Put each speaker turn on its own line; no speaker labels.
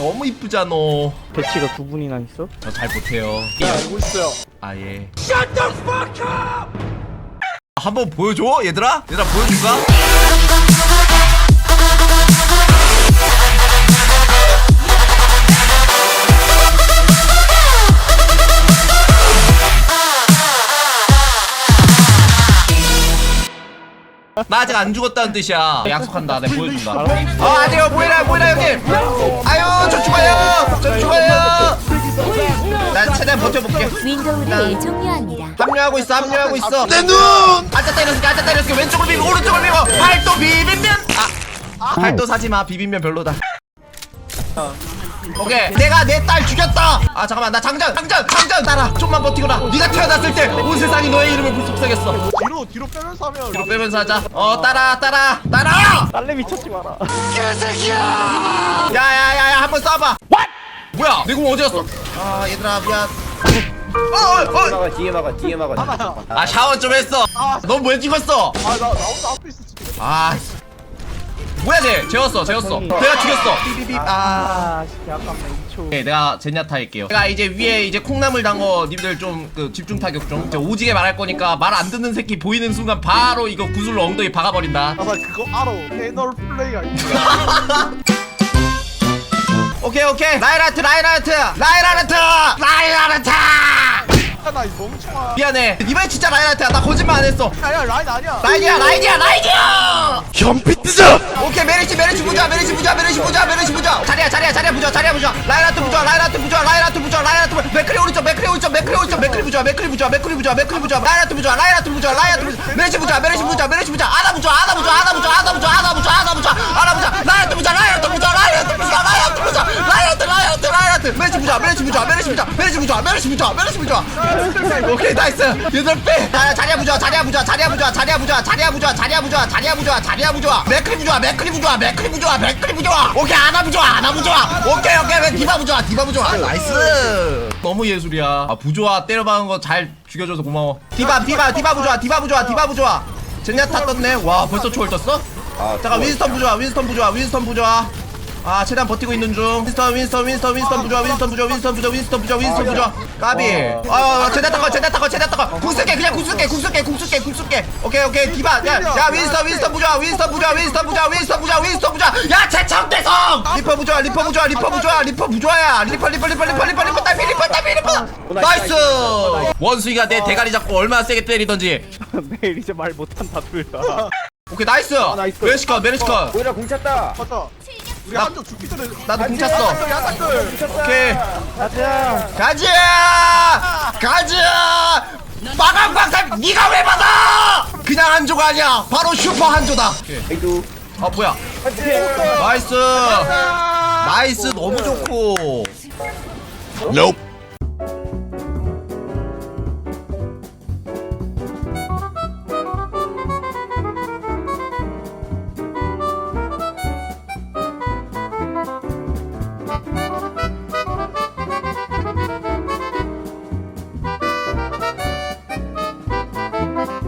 너무 이쁘잖아.
배치가 두 분이나 있어?
저 잘 못해요.
네, 알고 있어요.
아 예. Shut the fuck up! 한번 보여줘 얘들아? 얘들아 보여줄까? 나 아직 안 죽었다는 뜻이야. 약속한다. 내가 보여준다. 아니요 뭐해라 형님. 아유 저 죽어요. 난 최대한 버텨볼게.
윈도우를 종료합니다.
합류하고 있어. 내 눈! 앉아 때렸을게. 왼쪽을 비비고 오른쪽을 비비고 팔도 비빔면. 팔도 사지마. 비빔면 별로다. 오케이 내가 내 딸 죽였다. 아 잠깐만 나 장전 따라. 좀만 버티거라. 네가 태어났을 때 온 세상이 너의 이름을 불속삭였어.
뒤로 빼면서 하면.
뒤로 빼면서 하자. 따라.
딸내미 쳤지 마라.
개새끼야. 야야야야 한번 쏴봐. 뭐야 내 공 어디 갔어? 아 얘들아 미안.
뒤에 막아.
아 샤워 좀 했어. 넌 왜 찍었어?
나 혼자 앞에 있어 지금.
아 뭐야 쟤 재웠어. 내가 죽였어. 삐삐삐.
씨, 아깝네 2초.
오케이, 내가 젠야타 할게요. 제가 이제 위에 이제 콩나물 단거 님들 좀 그 집중 타격 좀. 제가 오지게 말할 거니까 말 안 듣는 새끼 보이는 순간 바로 이거 구슬로 엉덩이 박아버린다.
나 그거 알아. 패널 플레이가 있어.
오케이 라이라트.
나이 멍청아.
미안해. 이번엔 진짜 라이라트야. 나 거짓말 안 했어.
아니야 라인 아니야.
라이디야.
현피 뜨자.
오케이 메리시 부자. 자리야 부자. 라이라트 부자. 맥크리 오른쪽. 맥크리 부자. 라이라트 부자. 메리시 부자. 아나 부자. 메리시 부자. 오케이 나이스. 얘들 빼. 자리야 부자. 맥크리 부자. 오케이 아나 부자. 오케이 디바 부자. 나이스. 너무 예술이야. 부조아 때려박은 거 잘 죽여줘서 고마워. 디바 부자. 젠야타 떴네. 와 벌써 초월 떴어? 잠깐 윈스턴 부자. 아 최대한 버티고 있는 중. 윈스턴 부자. 까비. 제다 타거. 궁쓸게. 오케이 디바. 야 윈스턴 부자. 야 최청대성. 리퍼 부자야. 리퍼 딸피. 나이스. 원숭이가 내 대가리 잡고 얼마나 세게 때리던지.
내일 이제 말 못한다 둘 다.
오케이 나이스. 메리시컷.
오히려 공 찼다.
맞다. 우리
나-
한쪽 죽기 전에.
나도 공 찼어.
야사클.
오케이.
가자.
가자! 마강광탈 니가 왜 받아! 그냥 한조가 아니야. 바로 슈퍼 한조다.
아이도.
뭐야? 나이스. 너무 좋고.
Nope.